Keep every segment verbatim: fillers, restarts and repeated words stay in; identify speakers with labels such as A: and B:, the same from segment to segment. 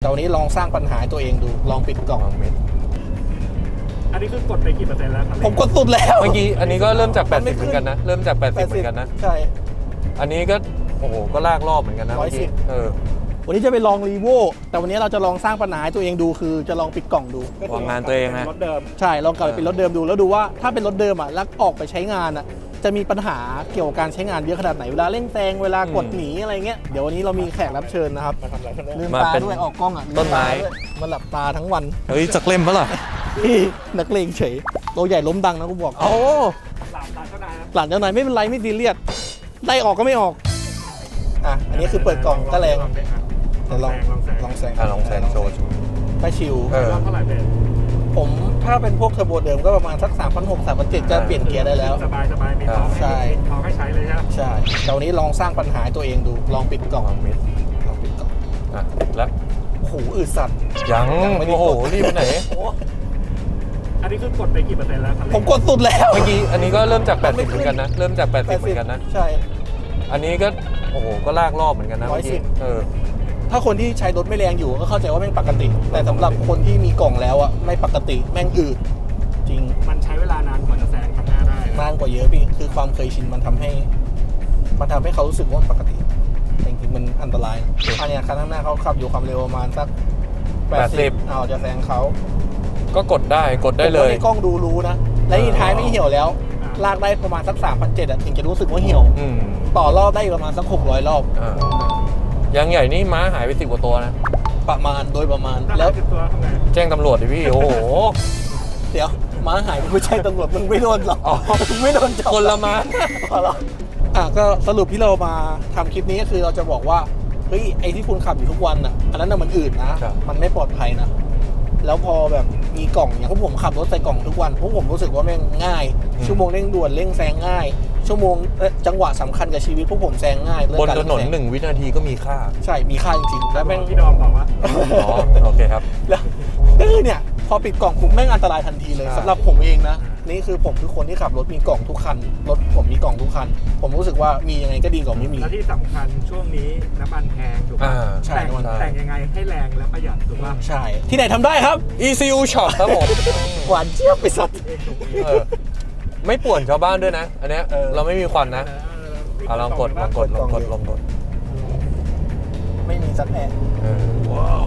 A: แต่วันนี้ลองสร้างปัญหาตัวเองดูลองปิดกล่องเม็ด
B: อันนี้คือกดไปกี่เปอร์เซ็นต์แล้วครับ
A: ผมกดสุดแล้ว
C: เมื่อกี้อันนี้ก็เริ่มจากแปดสิบเหมือนกันนะเริ่มจากแปดสิบเหมือนกันนะ
A: ใช่
C: อันนี้ก็โอ้โหก็ลากรอบเหมือนกันนะ
A: ร้อยสิบ
C: เออ
A: วันนี้จะไปลองรีโวแต่วันนี้เราจะลองสร้างปัญหาให้ตัวเองดูคือจะลองปิดกล่องดู
C: วางงานตัวเองนะ
B: รถเดิม
A: ใช่ลองกลับไปเป็นรถเดิมดูแล้วดูว่าถ้าเป็นรถเดิมอ่ะแล้วออกไปใช้งานอ่ะจะมีปัญหาเกี่ยวกับการใช้งานเยอะขนาดไหนเวลาเร่งแซงเวลากดหนีอะไรเงี้ยเดี๋ยววันนี้เรามีแขกรับเชิญนะครับ
B: มาทำอะไรกันเนี่ย
A: ลืม
C: มา
A: ตา
C: เป็น
A: ด้วยออกกล้องอ่ะลื
C: ต้นไม้
A: ตาด้วยมาหลับตาทั้งวัน
C: เฮ้ยจักเล่มปะล่ะ
A: นักเลงเฉยตัวใหญ่ล้มดังนะกูบอก
C: โอ้
B: หลานหลานเจ้านายนะ
A: หลานเจ้านายไม่เป็นไรไม่ซีเรียสได้ออกก็ไม่ออกอ่ะอันนี้คือเปิดกล่องก็แรงเดี๋ยวลองลองแซง
C: อ่ะลองแซงโชว์
A: ไม่ชิว
C: เออ
B: รอบเท่าไหร่เป็น
A: ผมถ้าเป็นพวกเทอร์โบเดิมก็ประมาณสัก สามพันหกร้อย สามพันเจ็ดร้อย จะเปลี่ยนเกียร์ได้แล้ว
B: สบายสบายมีท้อง
A: ใช่
B: ท้องให้ใช้เลยใช่ไหม
A: ใช่แต่วันนี้ลองสร้างปัญหาให้ตัวเองดูลองปิดกล่องเม็ดลองปิดกล่อง
C: อ่ะแล้ว
A: โอ้โหอึดสัตว์
C: ยัง
A: ยังไม่ได้
C: โอ้โห
A: กด
C: รีบไปไหน
B: อันนี้คือกดไปกี่เปอร์เซ็นต์แล้วครับ
A: ผมกดสุดแล้ว
C: เมื่อกี้อันนี้ก็เริ่มจากแปดสิบเหมือนกันนะเริ่มจากแปดสิบเหมือนกันนะ
A: ใช่
C: อันนี้ก็โอ้โหก็ลากรอบเหมือนกันนะ
A: ร้อยสิบ
C: เมื่กี้เออ
A: ถ้าคนที่ใช้รถไม่แรงอยู่ก็เข้าใจว่าแม่งปกติ แต่สำหรับคนที่มีกล่องแล้วอ่ะไม่ปกติแม่งอืดจริง
B: มันใช้เวลานานกว่าจะแซงคันหน้าได้นะ
A: นานกว่าเยอะพี่คือความเคยชินมันทำให้ มันทำให้เขารู้สึกว่ามันปกติแต่จริงๆมันอันตรายอันเนี้ยคันข้างหน้าเขาขับอยู่ความเร็วประมาณสักแปดสิบเอาจะแซงเขา
C: ก็กดได้กดได้เลย
A: ผมว่าในกล้องดูรู้นะ และอีท้ายไม่เหี่ยวแล้ว ลากได้ประมาณสัก สามพันเจ็ดร้อย อ่ะถึงจะรู้สึกว่าเหี่ยว
C: อืม
A: ต่อรอบได้อีกประมาณสัก หกร้อย รอบ
C: อ่ายางใหญ่นี่ม้าหายไปสิบกว่าตัวนะ
A: ประมาณโดยประมาณ
B: ถ้า
A: แล้
B: แล้ว วตัวทำไง
C: แจ้งตำรวจดิพี่ โอ้โห
A: เดี๋ยวม้าหายไม่ใช่ตำรวจมึงไม่โดนหรอก
C: อ๋อ
A: มึงไม่โดนจับ
C: คนละม้า
A: พอแล้วอ่ะก็สรุปที่เรามาทำคลิปนี้ก็คือเราจะบอกว่าเฮ้ยไอ้ที่คุณขับอยู่ทุกวันอ่ะอันนั้นน่ะมันอืดนะ
C: ครับ
A: มันไม่ปลอดภัยนะแล้วพอแบบมีกล่องอย่างพวกผมขับรถใส่กล่องทุกวันพวกผมรู้สึกว่าแม่งง่าย ชั่วโมงเร่งด่วนเร่งแซงง่าย ชั่วโมงเอ่อจังหวะสำคัญกับชีวิตพวกผมแซงง่ายเรื่อง
C: บน
A: การ
C: ถนน
A: แซง
C: หนึ่งวินาทีก็มีค่า
A: ใช่มีค่าจริงๆแล้วแม่ง
B: พี่ดอมบอกว่า
C: อ๋อ โอเคครับ
A: แล้วก็คือเนี่ยพอปิดกล่องปุ๊บแม่งอันตรายทันทีเลย
C: อ่า
A: สำหรับผมเองนะนี่คือผมคือคนที่ขับรถมีกล่องทุกคันรถผมมีกล่องทุกคัน ผมรู้สึกว่ามียังไงก็ดีกว่าไม่มี
B: และที่สำคัญช่วงนี้น้ำมันแพงถูกป่ะ
C: อ่า
A: ใช่
B: แต่ง
A: น้ำมัน
B: แต่งยังไงให้แรงและประหยัดถูกป่ะ
A: ใช่ ที่ไหนทำได้ครับ
C: อี ซี ยู Shop ครับผม
A: หวานเจี๊ยบไปสัตว์
B: เองถูกเอง
C: เออ ไม่ป่วนชาวบ้านด้วยนะ อันเนี้ย
A: เออ
C: เราไม่มีควันนะ
B: เออ
C: เอาลองกดลองกดลองกดลองกด
A: ไม่มีสักแอะ
C: เออ
B: ว้าว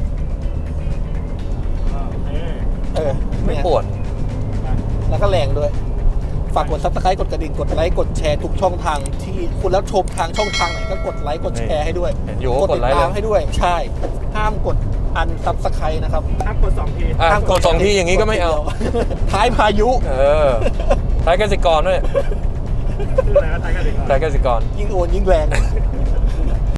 B: โอเค
A: เออ
C: ไม่
A: เนี่ย
C: ป่วน
A: แล้วก็แรงด้วย ฝากกดซับสไครต์กดกระดิ่งกดไลค์กดแชร์ทุกช่องทางที่คุณแล้วชมทางช่องทางไหนก็กดไลค์กดแชร์ให้ด้วย
C: เห็นอยู่
A: ก
C: ก็
A: ด
C: ก
A: ติ
C: ด
A: ด
C: ไลค์
A: ตาม
C: เลย
A: ให้ด้วย ใช่ ห้ามกดอันซับสไครต์นะครับ
B: ห้ามกดสองที
C: อ่ะ
A: ห้าม
C: กดสองทีอย่างนี้ก็ไม่เอา
A: ท้ายพายุ
C: เออท้ายกสิกรด้วย
B: ชื่ออะไรก็ใช้กันดีกว่า
C: ท้ายกสิกร
A: ยิ่งโอนยิ่งแรง